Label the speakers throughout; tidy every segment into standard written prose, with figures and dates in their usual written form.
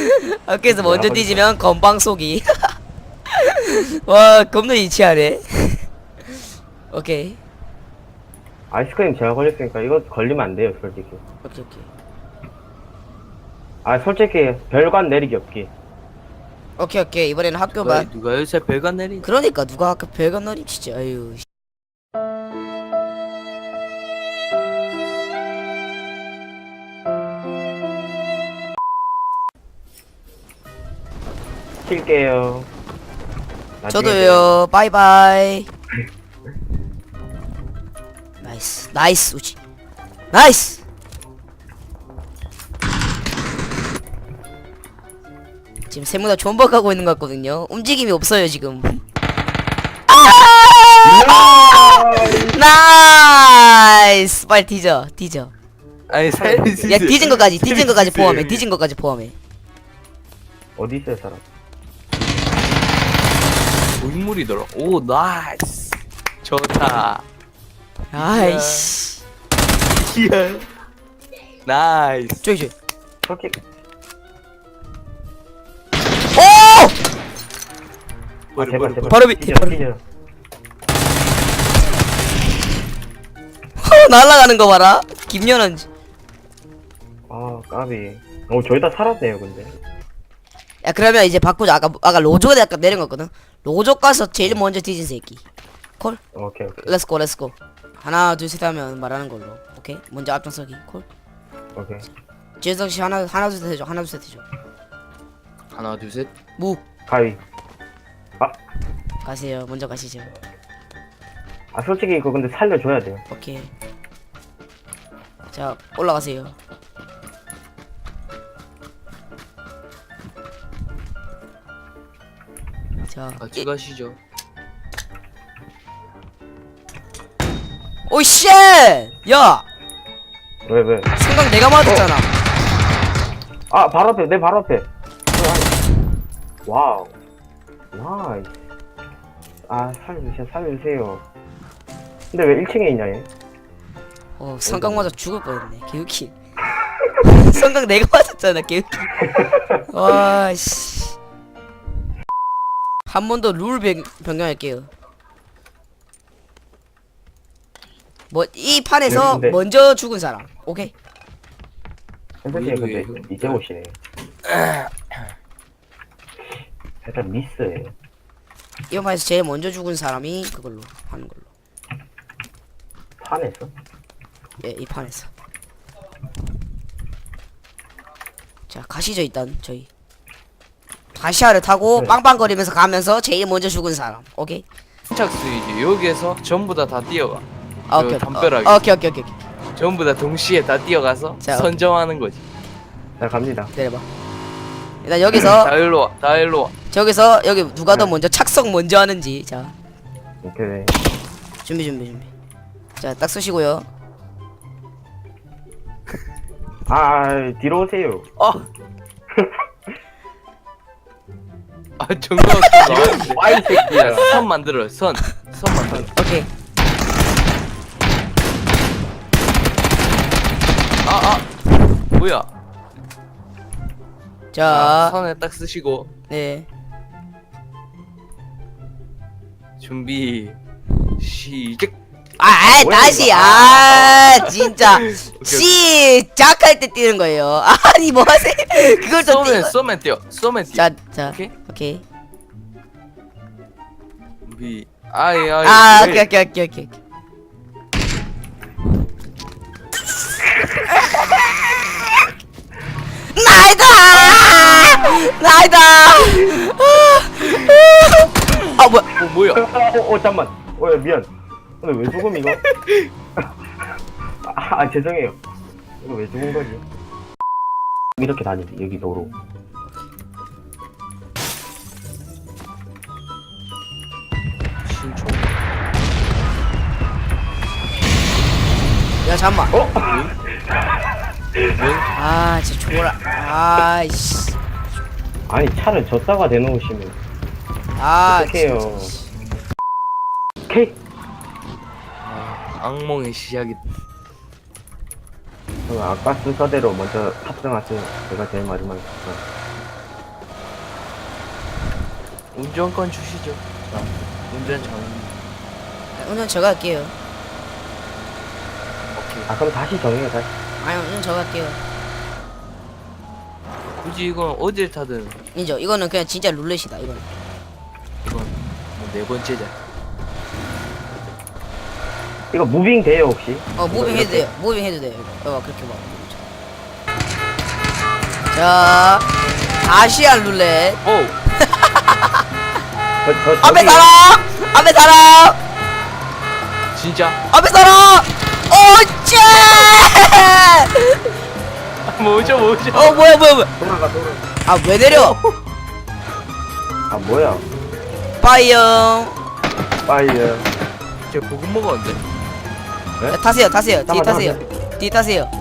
Speaker 1: 학교에서 먼저 뒤지면 건방 쏘기. 와 겁나 이치하네. 오케이
Speaker 2: 아이스크림 제가 걸렸으니까 이거 걸리면 안 돼요, 솔직히.
Speaker 1: 오케이 오케이
Speaker 2: 아, 솔직히 별관 내리기 없기.
Speaker 1: 오케이 오케이 이번에는 학교만.
Speaker 3: 누가 요새 별관 내린?
Speaker 1: 그러니까 누가 학교 별건 너리 진짜 아유.
Speaker 2: 킬게요.
Speaker 1: 저도요. 바이바이. 나이스 나이스 우지 나이스. 지금 세무다 존버가고 있는 것 같거든요. 움직임이 없어요 지금. 나이스. 빨리 뒤져 뒤져.
Speaker 3: 아니 살릴 수
Speaker 1: 야
Speaker 3: 있어요.
Speaker 1: 뒤진 것까지 뒤진 것까지
Speaker 3: 있어요,
Speaker 1: 포함해.
Speaker 3: 형님.
Speaker 1: 뒤진 것까지 포함해.
Speaker 2: 어디 있어요, 사람?
Speaker 3: 고인물이더라. 오 나이스. 좋다.
Speaker 1: 아이씨.
Speaker 3: 히얼. 나이스.
Speaker 1: 저기 저기.
Speaker 2: 솔직히.
Speaker 1: 오!
Speaker 2: 아, 제발, 제발.
Speaker 1: 바로 밑에,
Speaker 2: 찢어,
Speaker 1: 바로
Speaker 2: 찢어.
Speaker 1: 날아가는 거 봐라. 김연한.
Speaker 2: 아, 까비. 저희 다 살았네요, 근데.
Speaker 1: 야 그러면 이제 바꾸자. 아까 로조가 약간 내린 거거든. 로조 가서 제일 먼저 뒤진 새끼. 콜.
Speaker 2: 오케이, 오케이.
Speaker 1: 렛츠고 렛츠고. 하나 둘 셋 하면 말하는 걸로. 오케이. 먼저 앞장서기. 콜.
Speaker 2: 오케이.
Speaker 1: 지혜성 씨 하나 둘 셋 해줘. 하나 둘 셋 해줘.
Speaker 3: 하나 둘 셋.
Speaker 1: 무.
Speaker 2: 가위.
Speaker 1: 가세요. 먼저 가시죠.
Speaker 2: 아, 솔직히 이거 근데 살려줘야 돼요.
Speaker 1: 오케이. 자 올라가세요. 자.
Speaker 3: 같이 가시죠.
Speaker 1: 오 쉣! 야!
Speaker 2: 왜?
Speaker 1: 생각 내가 맞았잖아.
Speaker 2: 아, 바로 앞에, 내 바로 앞에. 와우. 나이스. 아, 살려주세요. 근데 왜 1층에 있냐, 얘?
Speaker 1: 성강 맞아 죽을 뻔했네. 개웃기. 성강 내가 맞았잖아. 개웃기. 와 씨. 한 번 더 룰 변경할게요. 뭐 이 판에서
Speaker 2: 네, 근데-
Speaker 1: 먼저 죽은 사람. 오케이.
Speaker 2: 선생님, 근데 이제 오시네. 살짝 미스해.
Speaker 1: 이번 판에서 제일 먼저 죽은 사람이 그걸로 하는 걸로.
Speaker 2: 판에서?
Speaker 1: 예, 이 판에서. 자, 가시죠 일단 저희. 다시아를 타고
Speaker 2: 네.
Speaker 1: 빵빵거리면서 가면서 제일 먼저 죽은 사람. 오케이.
Speaker 3: 착 스위지 여기에서 전부 다 뛰어가.
Speaker 1: 아,
Speaker 3: 그
Speaker 1: 오케이.
Speaker 3: 담벼락에.
Speaker 1: 오케이.
Speaker 3: 전부 다 동시에 다 뛰어가서
Speaker 1: 자,
Speaker 3: 선정하는 거지.
Speaker 2: 자, 갑니다.
Speaker 1: 내려봐. 일단 여기서
Speaker 3: 다 일로 와. 다 일로 와.
Speaker 1: 저기서 여기 누가 더
Speaker 2: 네.
Speaker 1: 먼저 착석 먼저 하는지. 자,
Speaker 2: 오케이.
Speaker 1: 준비. 자, 딱 쓰시고요.
Speaker 2: 아, 뒤로 오세요.
Speaker 3: 아 정답 나왔는데.
Speaker 2: 와이 새끼야.
Speaker 3: 선 만들어. 선 만들어.
Speaker 1: 오케이.
Speaker 3: 뭐야?
Speaker 1: 자,
Speaker 3: 선에 딱 쓰시고
Speaker 1: 네.
Speaker 3: 준비 시작.
Speaker 2: 뭐야,
Speaker 1: 다시.
Speaker 2: 이거.
Speaker 1: 진짜. 시작할 때 뛰는 거예요. 아니, 뭐 하세요? 그걸 또 뛰.
Speaker 3: 쏘면 뛰어.
Speaker 1: 자,
Speaker 3: 오케이?
Speaker 1: 오케이.
Speaker 3: 준비. 아이.
Speaker 1: 오케이. 나이다! 아, 뭐야?
Speaker 3: 뭐야?
Speaker 2: 잠만. 야, 미안. 근데 왜 죽음, 이거? 죄송해요. 이거 왜 죽은 거지? 이렇게 다니지, 여기 도로.
Speaker 3: 신초.
Speaker 1: 야, 잠만.
Speaker 3: 뭐?
Speaker 1: 진짜 졸라. 아이씨.
Speaker 2: 아니, 차를 졌다가 내놓으시면. 어떡해요.
Speaker 1: 진짜.
Speaker 2: 오케이.
Speaker 3: 악몽의 시작이.
Speaker 2: 그럼 아까 순서대로 먼저 탑승하세요. 제가 제일 마지막에 탑승.
Speaker 3: 운전권 주시죠. 자, 운전 장.
Speaker 1: 운전 제가 할게요.
Speaker 3: 오케이.
Speaker 2: 아 그럼 다시 정해요 다시.
Speaker 1: 아니 운전 제가 할게요.
Speaker 3: 굳이 이건 어딜 타든
Speaker 1: 인정. 이거는 그냥 진짜 룰렛이다. 이거는.
Speaker 3: 이건 뭐 네 번째자.
Speaker 2: 이거 무빙 돼요 혹시?
Speaker 1: 무빙 해도 돼요. 무빙 해도 돼요. 이거 그렇게 봐. 자, 아시안 룰렛.
Speaker 3: 오.
Speaker 1: 앞에 사람! 앞에 사람!
Speaker 3: 진짜?
Speaker 1: 앞에 사람! 오째!
Speaker 3: 뭐죠?
Speaker 1: 뭐야.
Speaker 2: 돌아가.
Speaker 1: 아, 왜 내려?
Speaker 2: 아 뭐야?
Speaker 1: 빠이영.
Speaker 2: 빨리.
Speaker 3: 저 보금 먹었는데.
Speaker 2: 네?
Speaker 1: 타세요. 뒤
Speaker 2: 잠깐만,
Speaker 1: 타세요. 뒤 타세요.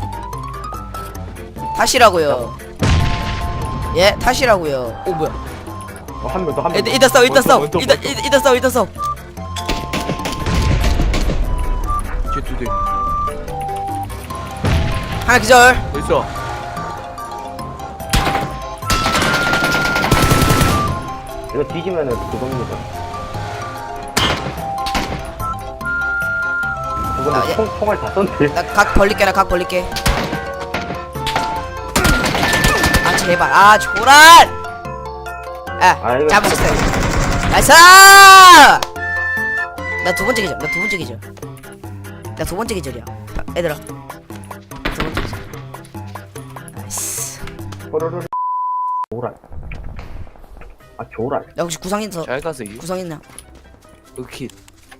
Speaker 1: 타시라고요. 예, 타시라고요. 오, 뭐야.
Speaker 2: 한 명 더 한 명.
Speaker 1: 이따 싸워.
Speaker 3: 원톱.
Speaker 1: 이따 싸워.
Speaker 3: 쟤 2대.
Speaker 1: 하나 기절.
Speaker 3: 어딨어?
Speaker 2: 이거 뒤지면은 그겁니다.
Speaker 1: 아, 예.
Speaker 2: 그거는 총알 다 쏜대.
Speaker 1: 나 각 벌릴게. 아, 제발. 아, 조랄!
Speaker 2: 아, 이거-
Speaker 1: 잡으셨어요. 나이스! 나 두 번째 기절. 나 두 번째 기절이야. 얘들아. 두 번째 기절. 나이스.
Speaker 2: 호로로. 조랄. 아 조랄.
Speaker 1: 야, 혹시 구상 있어?
Speaker 3: 잘 가서 이.
Speaker 1: 구상 있나?
Speaker 3: 으킷.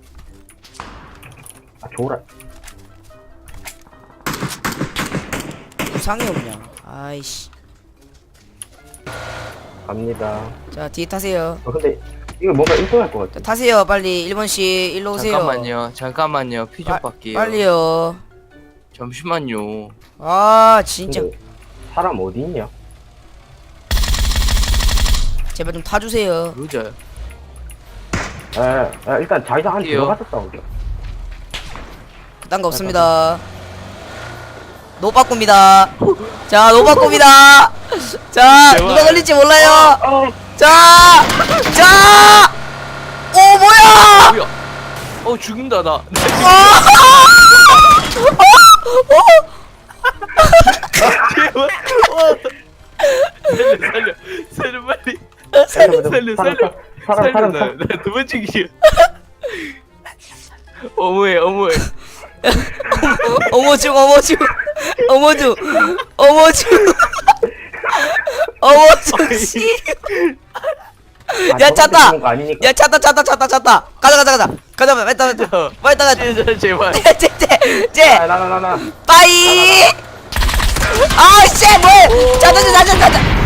Speaker 2: 아 조랄.
Speaker 1: 구상이 없냐? 아이씨.
Speaker 2: 갑니다.
Speaker 1: 자, 뒤에 타세요.
Speaker 2: 근데 이거 뭔가 1등할 것
Speaker 1: 자,
Speaker 2: 같아.
Speaker 1: 타세요. 빨리 1번씩 일로 오세요.
Speaker 3: 잠깐만요. 피 좀 받게요.
Speaker 1: 빨리요.
Speaker 3: 잠시만요.
Speaker 1: 아, 진짜.
Speaker 2: 근데 사람 어디 있냐?
Speaker 1: 제발 좀 타주세요.
Speaker 3: 루저요.
Speaker 2: 일단 자기장 안
Speaker 3: 뛰어.
Speaker 2: 들어가서 싸우죠.
Speaker 1: 그딴 거 없습니다. 노 바꿉니다. 자, 노 바꿉니다. 자,
Speaker 3: 제발.
Speaker 1: 누가 걸릴지 몰라요.
Speaker 2: 어,
Speaker 1: 자! 오, 뭐야!
Speaker 3: 뭐야? 죽는다 나. 제발. 살려 빨리. 살려. 나두 번째 기절. 어머해.
Speaker 1: 어머주 씨. 야, 찼다. 야, 찼다. 가자. 빨리 따가.
Speaker 3: 제발.
Speaker 1: 쟤.
Speaker 2: 나.
Speaker 1: 빠이. 아, 씨, 뭐해? 자자.